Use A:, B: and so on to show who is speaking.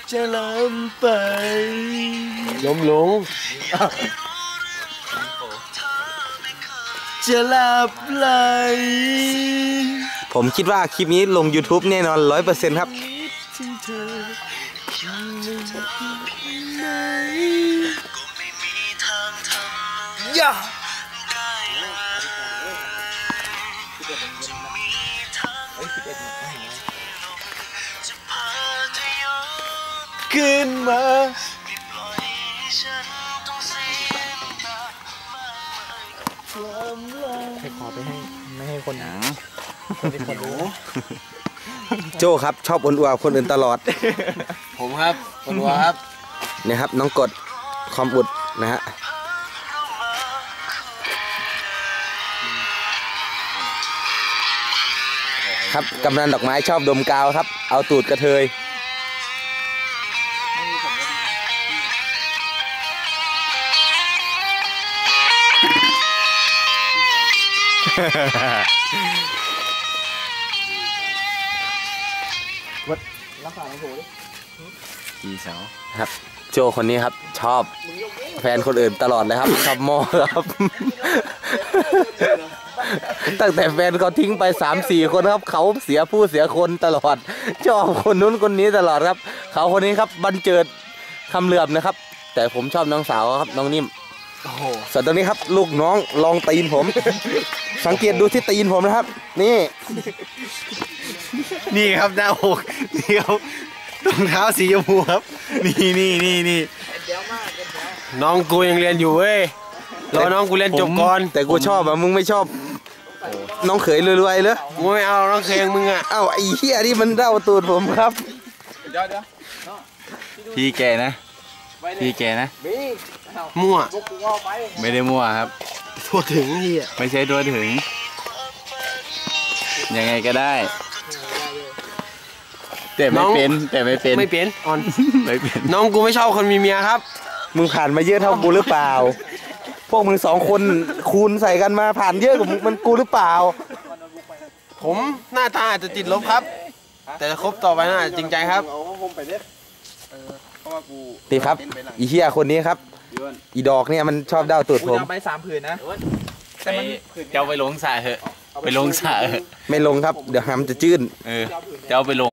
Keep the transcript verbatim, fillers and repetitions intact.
A: จะล้ำไปล้มลงจะหลับไหล
B: ผมคิดว่าคลิปนี้ลง ยูทูบ แน่นอน ร้อยเปอร์เซ็นต์ ครับ
A: ย่าขึ้นมาให้ขอไปให้ไม่ให้คนหนังคนที่คนรู้
B: โจ้ครับชอบอวดคนอื่นตลอด
A: ผมครับคนวัวครับ
B: เนี่ยครับน้องกดความอุดนะฮะครับกำนันดอกไม้ชอบดมกาวครับเอาตูดกระเทย
A: วัดรักษาของผมดิกี่เสา
B: ครับโจคนนี้ครับชอบแฟนคนอื่นตลอดเลยครับชอบมอครับตั้งแต่แฟนเขาทิ้งไป สามสี่ คนครับเขาเสียผู้เสียคนตลอดชอบคนนู้นคนนี้ตลอดครับเขาคนนี้ครับบรรเจิดคำเหลือบนะครับแต่ผมชอบน้องสาวครับน้องนิ่มส่วนตรงนี้ครับลูกน้องลองตีนผมสังเกตดูที่ตีนผมนะครับนี่
A: นี่ครับหน้าอกนี่ครับรองเท้าสีชมพูครับนี่นี่นี่นี่น้องกูยังเรียนอยู่เว้ยรอน้องกูเรียนจบก่อน
B: แต่กูชอบอ่ะมึงไม่ชอบน้องเขยรวยๆเลย
A: กูไม่เอาน้องเขยมึงอ่ะ
B: เอ้าไอ้เหี้ยนี่มันเล่าตูดผมครับ
C: พี่แกนะพี่แกนะ
A: มั่ว
C: ไม่ได้มั่วครับ
A: ทั่วถึงพี่อ่ะ
C: ไม่ใช่ตัวถึงยังไงก็ได้แต่ไม่เป็นแต่ไม่เป็น
A: ไม่เป็นอ่อน
C: ไม่เป็น
A: น้องกูไม่ชอบคนมีเมียครับ
B: มึงผ่านมาเยอะเท่ากูหรือเปล่าพวกมึงสองคนคูณใส่กันมาผ่านเยอะกว่ามึงมันกูหรือเปล่า
A: ผมหน้าตาอาจจะติดลบครับแต่คบต่อไปน่าจริงใจครับ
B: ตีครับอีเหี้ยคนนี้ครับอีดอกเนี่ยมันชอบเด้าตูดผม
A: ไปสามผืนนะ
C: เจ้าไปลงสระเหอะไปลงสระเหอะ
B: ไม่ลงครับเดี๋ยวหำจะจื้น
C: เออเจ้าไปลง